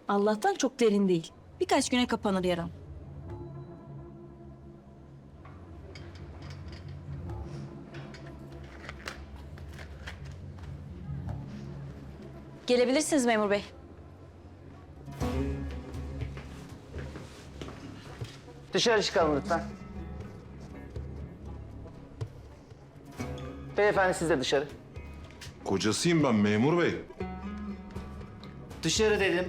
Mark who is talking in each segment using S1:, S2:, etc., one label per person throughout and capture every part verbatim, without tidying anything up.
S1: Allah'tan çok derin değil. Birkaç güne kapanır yaram. Gelebilirsiniz memur bey.
S2: Dışarı çıkalım lütfen. Beyefendi siz de dışarı.
S3: Kocasıyım ben memur bey.
S2: Dışarı dedim.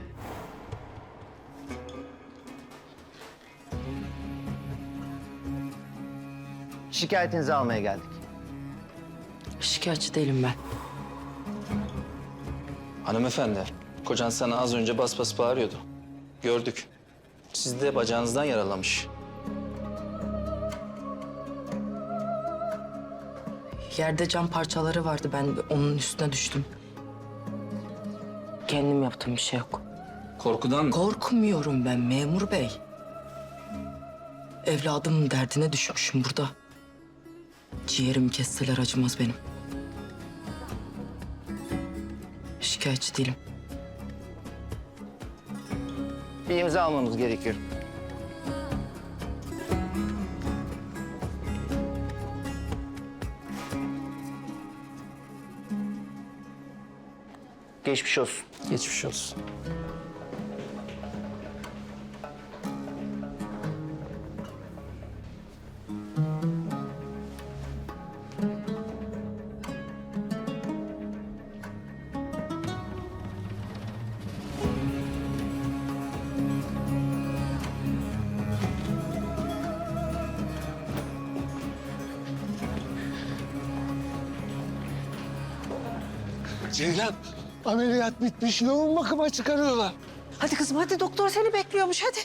S2: Şikayetinizi almaya geldik.
S4: Şikayetçi değilim ben.
S5: Hanımefendi, kocan sana az önce bas bas bağırıyordu. Gördük. Siz de bacağınızdan yaralamış.
S4: Yerde cam parçaları vardı. Ben onun üstüne düştüm. Kendim yaptığım bir şey yok.
S5: Korkudan...
S4: Korkmuyorum ben memur bey. Evladımın derdine düşmüşüm burada. Ciğerimi kesseler acımaz benim. Şikayetçi değilim.
S2: Bir imza almamız gerekiyor. Geçmiş olsun.
S5: Geçmiş olsun.
S6: Ceylan, ameliyat bitmiş. Yoğun bakıma çıkarıyorlar.
S7: Hadi kızım hadi, doktor seni bekliyormuş hadi.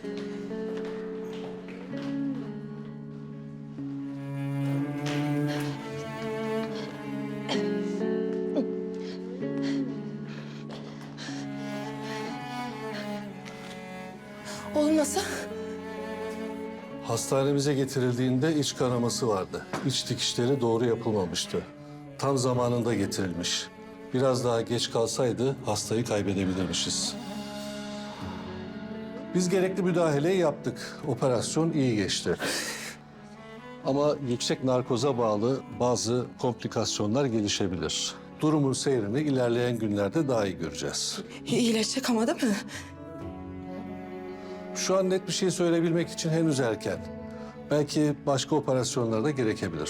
S4: Olmasa?
S6: Hastanemize getirildiğinde iç kanaması vardı. İç dikişleri doğru yapılmamıştı. Tam zamanında getirilmiş. Biraz daha geç kalsaydı hastayı kaybedebilirmişiz. Biz gerekli müdahaleyi yaptık. Operasyon iyi geçti. Ama yüksek narkoza bağlı bazı komplikasyonlar gelişebilir. Durumun seyrini ilerleyen günlerde daha iyi göreceğiz.
S4: İyileşecek ama değil mi?
S6: Şu an net bir şey söyleyebilmek için henüz erken. Belki başka operasyonlar da gerekebilir.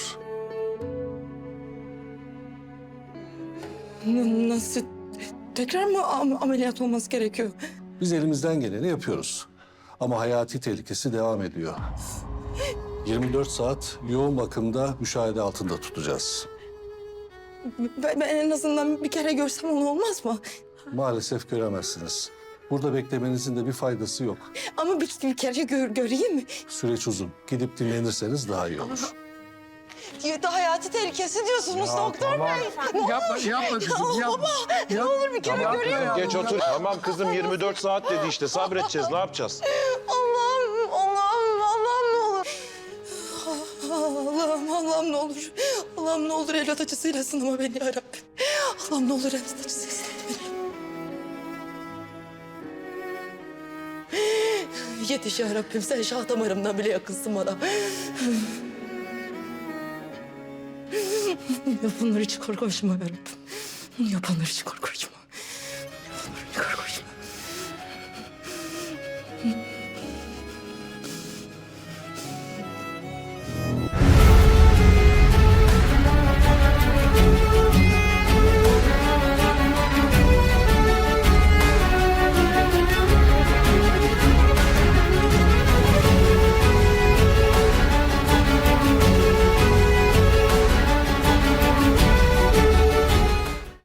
S4: Nasıl? Tekrar mı am- ameliyat olması gerekiyor?
S6: Biz elimizden geleni yapıyoruz. Ama hayati tehlikesi devam ediyor. yirmi dört saat yoğun bakımda müşahede altında tutacağız.
S4: Ben, ben en azından bir kere görsem onu olmaz mı?
S6: Maalesef göremezsiniz. Burada beklemenizin de bir faydası yok.
S4: Ama bir, bir kere gör, göreyim mi?
S6: Süreç uzun. Gidip dinlenirseniz daha iyi olur.
S4: Ya, hayati tehlikesi diyorsunuz doktor bey.
S6: Yapma, yapma kızım, yapma.
S4: Ne olur bir kere göreyim.
S3: Geç otur. Tamam kızım yirmi dört saat dedi işte sabredeceğiz ne yapacağız?
S4: Allah'ım, Allah'ım, Allah'ım ne olur. Allah'ım, Allah'ım ne olur. Allah'ım ne olur evlat acısıyla sınama beni yarabbim. Allah'ım ne olur evlat acısıyla sınama beni. Yetiş yarabbim, sen şah damarımdan bile yakınsın bana. Yapanlar hiç korkuşma yarabbim. Yapanlar hiç korkuşma. Yapanlar hiç korkuşma.